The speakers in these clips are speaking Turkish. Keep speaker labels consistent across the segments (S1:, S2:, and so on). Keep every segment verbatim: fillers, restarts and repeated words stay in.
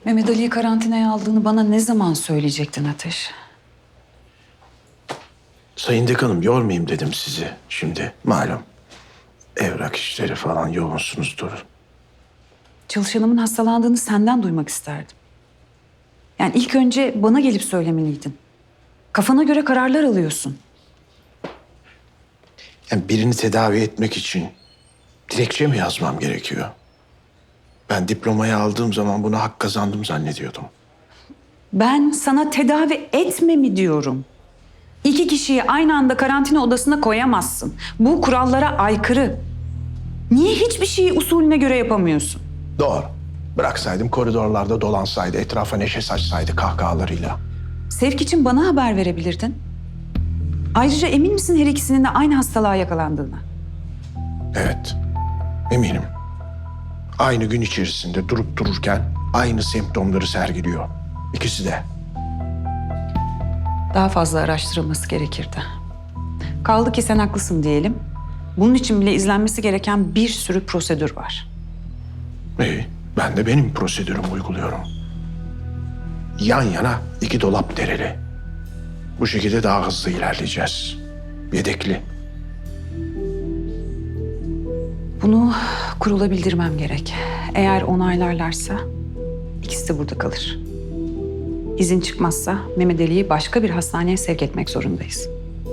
S1: Mehmet Ali'yi karantinaya aldığını bana ne zaman söyleyecektin Ateş?
S2: Sayın Dekanım yormayayım dedim sizi şimdi. Malum evrak işleri falan yoğunsunuzdur.
S1: Çalışanımın hastalandığını senden duymak isterdim. Yani ilk önce bana gelip söylemeliydin. Kafana göre kararlar alıyorsun.
S2: Yani birini tedavi etmek için dilekçe mi yazmam gerekiyor? Ben diplomayı aldığım zaman buna hak kazandım zannediyordum.
S1: Ben sana tedavi etme mi diyorum? İki kişiyi aynı anda karantina odasına koyamazsın. Bu kurallara aykırı. Niye hiçbir şeyi usulüne göre yapamıyorsun?
S2: Doğru. Bıraksaydım koridorlarda dolansaydı, etrafa neşe saçsaydı kahkahalarıyla.
S1: Sevk için bana haber verebilirdin. Ayrıca emin misin her ikisinin de aynı hastalığa yakalandığına?
S2: Evet, eminim. Aynı gün içerisinde durup dururken aynı semptomları sergiliyor. İkisi de.
S1: Daha fazla araştırılması gerekirdi. Kaldı ki sen haklısın diyelim. Bunun için bile izlenmesi gereken bir sürü prosedür var.
S2: İyi, ben de benim prosedürümü uyguluyorum. Yan yana iki dolap dereli. Bu şekilde daha hızlı ilerleyeceğiz. Yedekli.
S1: Bunu kurula bildirmem gerek. Eğer onaylarlarsa ikisi de burada kalır. İzin çıkmazsa Mehmet Ali'yi başka bir hastaneye sevk etmek zorundayız.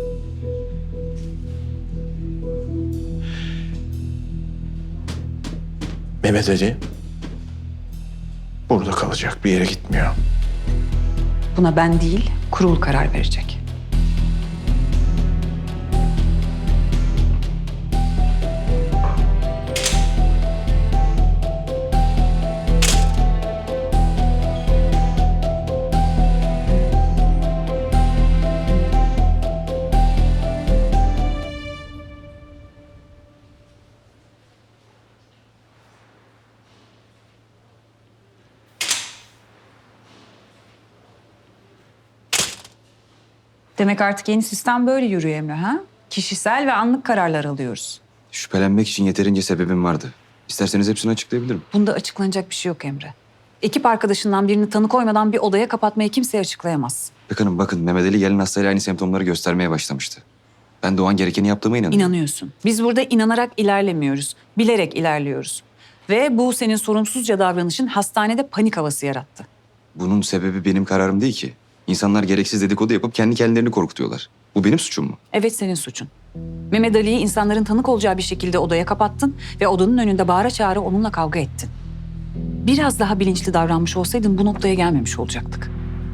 S2: Mehmet Ali burada kalacak, bir yere gitmiyor.
S1: Buna ben değil, kurul karar verecek. Demek artık yeni sistem böyle yürüyor Emre ha? Kişisel ve anlık kararlar alıyoruz.
S3: Şüphelenmek için yeterince sebebim vardı. İsterseniz hepsini açıklayabilirim.
S1: Bunda açıklanacak bir şey yok Emre. Ekip arkadaşından birini tanı koymadan bir odaya kapatmayı kimseye açıklayamaz.
S3: İpek Hanım bakın Mehmet Ali gelen hastayla aynı semptomları göstermeye başlamıştı. Ben de o an gerekeni yaptığıma inanıyorum.
S1: İnanıyorsun. Biz burada inanarak ilerlemiyoruz. Bilerek ilerliyoruz. Ve bu senin sorumsuzca davranışın hastanede panik havası yarattı.
S3: Bunun sebebi benim kararım değil ki. İnsanlar gereksiz dedikodu yapıp kendi kendilerini korkutuyorlar. Bu benim suçum mu?
S1: Evet, senin suçun. Mehmet Ali'yi insanların tanık olacağı bir şekilde odaya kapattın ve odanın önünde bağıra çağıra onunla kavga ettin. Biraz daha bilinçli davranmış olsaydın bu noktaya gelmemiş olacaktık.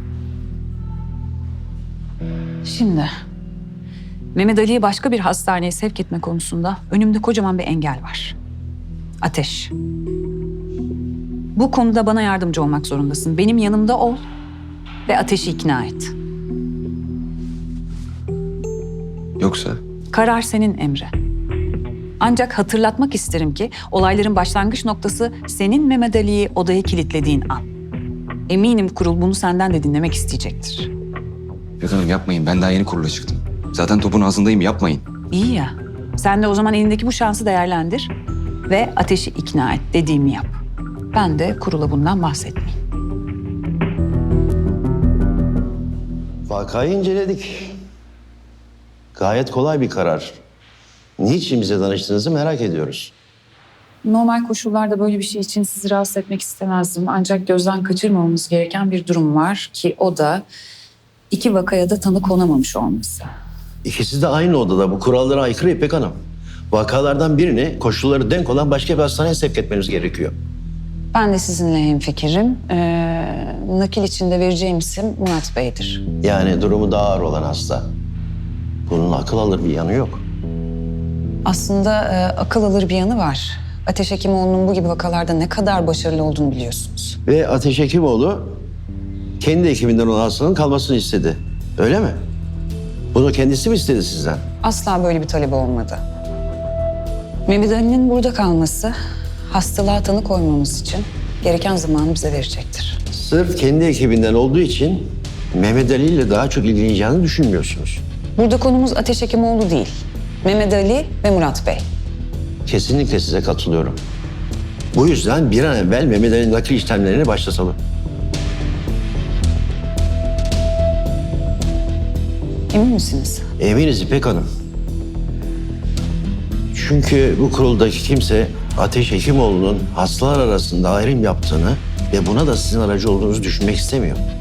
S1: Şimdi Mehmet Ali'yi başka bir hastaneye sevk etme konusunda önümde kocaman bir engel var. Ateş. Bu konuda bana yardımcı olmak zorundasın. Benim yanımda ol ve Ateş'i ikna et.
S3: Yoksa?
S1: Karar senin Emre. Ancak hatırlatmak isterim ki olayların başlangıç noktası senin Mehmet Ali'yi odaya kilitlediğin an. Eminim kurul bunu senden de dinlemek isteyecektir.
S3: İpek Hanım yapmayın. Ben daha yeni kurula çıktım. Zaten topun ağzındayım. Yapmayın.
S1: İyi ya. Sen de o zaman elindeki bu şansı değerlendir ve Ateş'i ikna et, dediğimi yap. Ben de kurula bundan bahsetmeyeyim.
S4: Vakayı inceledik. Gayet kolay bir karar. Niçin bize danıştığınızı merak ediyoruz.
S5: Normal koşullarda böyle bir şey için sizi rahatsız etmek istemezdim. Ancak gözden kaçırmamamız gereken bir durum var ki o da iki vakaya da tanı konamamış olması.
S4: İkisi de aynı odada. Bu kurallara aykırı İpek Hanım. Vakalardan birini koşulları denk olan başka bir hastaneye sevk etmeniz gerekiyor.
S1: Ben de sizinle hemfikirim. Ee, nakil içinde vereceğim isim Murat Bey'dir.
S4: Yani durumu daha ağır olan hasta. Bunun akıl alır bir yanı yok.
S1: Aslında e, akıl alır bir yanı var. Ateş Hekimoğlu'nun bu gibi vakalarda ne kadar başarılı olduğunu biliyorsunuz.
S4: Ve Ateş Hekimoğlu kendi ekibinden olan hastanın kalmasını istedi. Öyle mi? Bunu kendisi mi istedi sizden?
S1: Asla böyle bir talebi olmadı. Mehmet Ali'nin burada kalması hastalığa tanı koymamız için gereken zamanı bize verecektir.
S4: Sırf kendi ekibinden olduğu için Mehmet Ali ile daha çok ilgileneceğini düşünmüyorsunuz.
S1: Burada konumuz Ateş Hekimoğlu değil. Mehmet Ali ve Murat Bey.
S4: Kesinlikle size katılıyorum. Bu yüzden bir an evvel Mehmet Ali'nin nakil işlemlerini başlatalım.
S1: Emin misiniz?
S4: Eminiz İpek Hanım. Çünkü bu kuruldaki kimse Ateş Hekimoğlu'nun hastalar arasında ayrım yaptığını ve buna da sizin aracı olduğunuzu düşünmek istemiyor.